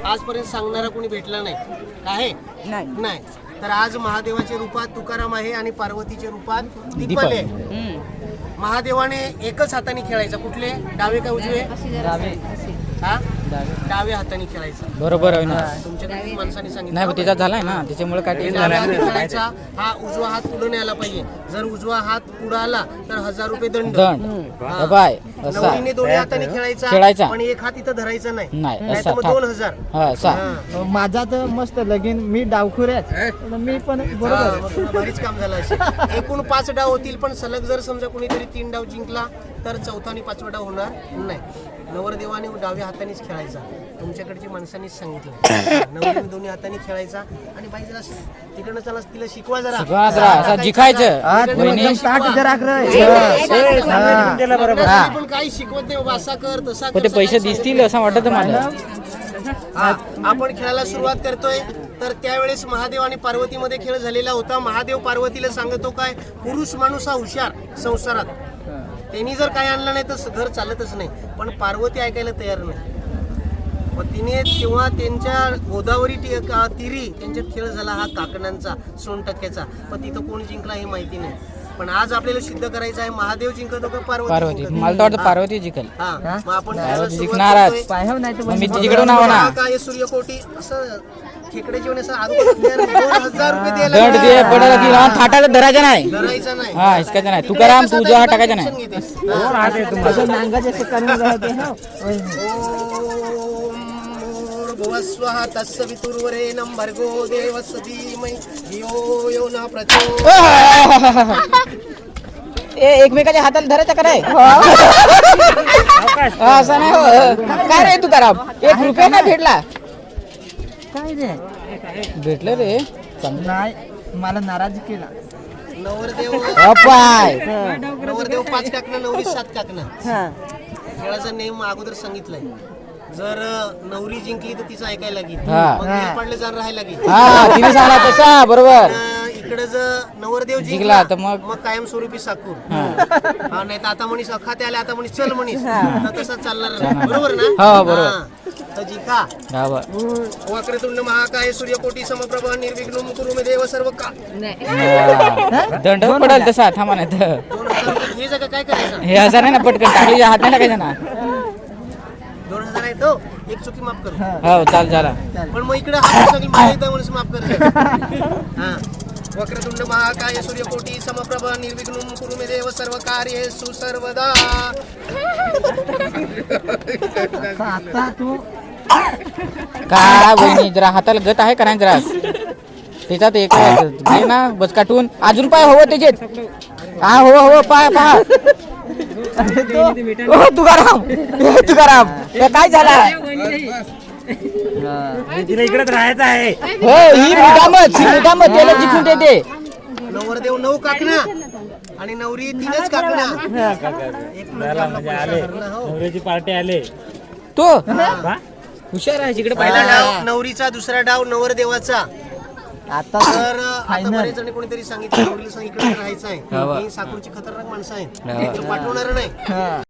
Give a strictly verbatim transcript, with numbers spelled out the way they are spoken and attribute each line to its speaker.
Speaker 1: आजपर्यंत सांगणारा कोणी भेटला नाही आहे नाही. तर आज महादेवाच्या रूपात तुकाराम आहे आणि पार्वतीच्या रूपात दीपल आहे. महादेवाने एकच हाताने खेळायचा. कुठले? डावे का उजवे? हा डावे हाताने खेळायचा.
Speaker 2: बरोबर आहे ना.
Speaker 1: तुमच्याकडे माणसाने सांगितलं
Speaker 2: नाही त्याचा झालाय ना, त्याच्यामुळे काय
Speaker 1: खेळायचा. हा उजवा हात पुढे न्यायला पाहिजे. जर उजवा हात पुढे आला तर हजार रुपये दंड.
Speaker 2: दंड बाय असा
Speaker 1: नवरीने दोन्ही हाताने खेळायचा
Speaker 2: खेळायचा.
Speaker 1: पण एक हात इथं धरायचा नाही.
Speaker 2: नाही
Speaker 1: नाही
Speaker 2: असा
Speaker 1: तर मग दोन हजार.
Speaker 2: हा असा.
Speaker 3: माझा तर मस्त लगीन मी डावखुऱ्याच मी पण बरोबर
Speaker 1: भारीच काम झालं असेल. एकूण पाच डाव होतील पण सलग जर समजा कोणीतरी तीन डाव जिंकला तर चौथा आणि पाचवा डाव होणार नाही. नवरदेवाने डाव्या हातानेच खेळायचा. तुमच्याकडची माणसांनीच सांगितलं. नवरीने दोन्ही हाताने खेळायचा आणि बाई जरा तिकडनं चला तिला शिकवा जरा
Speaker 2: असं जिखायचं.
Speaker 1: पण काही शिकवत नाही बाबा. असा कर तसा
Speaker 2: ते पैसे दिसतील असं वाटत मला.
Speaker 1: आपण खेळायला सुरुवात करतोय तर त्यावेळेस महादेव आणि पार्वतीमध्ये खेळ झालेला होता. महादेव पार्वतीला सांगतो काय, पुरुष माणूस हा हुशार संसारात. त्यांनी जर काय आणलं नाही तर घर चालतच नाही. पण पार्वती ऐकायला तयार नाही. मग तिने तेव्हा त्यांच्या गोदावरी तिरी त्यांच्यात खेळ झाला हा काकणांचा सोनटक्क्याचा. पण तिथं कोण जिंकला हे माहिती नाही. पण आज आपल्याला सिद्ध करायचं आहे महादेव जिंकतो का पार्वती?
Speaker 2: पार्वती. मला तर वाटतं पार्वती जिंकल.
Speaker 1: हा मग आपण
Speaker 2: जिंकणारच. मी तिकडे नाव ना
Speaker 1: काय सूर्यकोटी असं खेकडे जेवण असं दोन हजार रुपये द्यायला
Speaker 2: दंड दे पडायला तिला थाटाला धरायचं नाही.
Speaker 1: धरायचा नाही.
Speaker 2: हा हिसकायचं नाही. तुकाराम तुझा टाकायचा नाही.
Speaker 1: भुवस्वः तस्य वितुर्वरेण्यं भर्गो देवस्य धीमहि धियो यो न प्रचोदयात्.
Speaker 2: ए एकमेकाच्या हाताला धरायचं का नाही? असं नाही हो. काय रे तुकाराम एक रुपया नाही भेटला?
Speaker 3: काय रे
Speaker 2: भेटलं रे.
Speaker 3: नाही मला नाराज केला.
Speaker 1: नवरदेव
Speaker 2: अपाय
Speaker 1: नवरदेव पाच काकणं नवरी सात काकणं. खेळाचा नियम अगोदर सांगितलाय. जर नवरी जिंकली तर तिचं ऐकायला लागेल. मग पडले जाण राहायला लागेल.
Speaker 2: हा तिने सांगला तसा बरोबर.
Speaker 1: इकडे जर नवरदेव
Speaker 2: जिंकला तर मग
Speaker 1: मग कायमस्वरूपी साकूर. हा नाही तर आता म्हणीस अखाते आले आता म्हणीस चल म्हणीस तर तसा चालणार नाही. बरोबर ना?
Speaker 2: हो बरोबर.
Speaker 1: तर जिंका. वक्रतुंड महाकाय सूर्यकोटी समप्रभ निर्विघ्नं कुरु मे देव सर्व का.
Speaker 2: दंड पडेल तसा. थांबा नाही तर
Speaker 1: दोन हजार रुपये हे जगा काय करायचं?
Speaker 2: हे हजार नाही ना पटकन टाकलीच्या हात नाही टाकायचं ना.
Speaker 1: दोन हजार आहे तो एक चुकी माफ करू.
Speaker 2: हो चाल झाला.
Speaker 1: पण मग इकडे हा सगळी मला एकदा म्हणून माफ कर. हा वक्रतुंड महाकाय सूर्यकोटी समप्रभ निर्विघ्नं कुरु मे देव सर्व कार्येषु सर्वदा.
Speaker 3: आता तू
Speaker 2: काय बहिणी जरा हाताला गत आहे का नाही जरा त्याच्यात एक घे ना बस काटून अजून पाय हवं त्याच्यात. हा हो हो पाय पाय तुकाराम तुकाराम काय झाला?
Speaker 3: तिला इकडेच राहायचं आहे.
Speaker 2: हो ही मुदामत ही मुदामत त्याला जिंकून देते.
Speaker 1: नवरदेव नऊ काकणा आणि नवरी तीनच काकणा.
Speaker 3: नवरीची पार्टी आले.
Speaker 2: तो हुशार आहे जिकडे
Speaker 1: पहिला डाव नवरीचा, दुसरा डाव नवरदेवाचा.
Speaker 3: आता
Speaker 1: तर आता बरेच जण कोणीतरी सांगितलं नवरीला सांगितलं राहायचं आहे. ही साकूरची खतरनाक माणसं आहेत. पाठवणार नाही.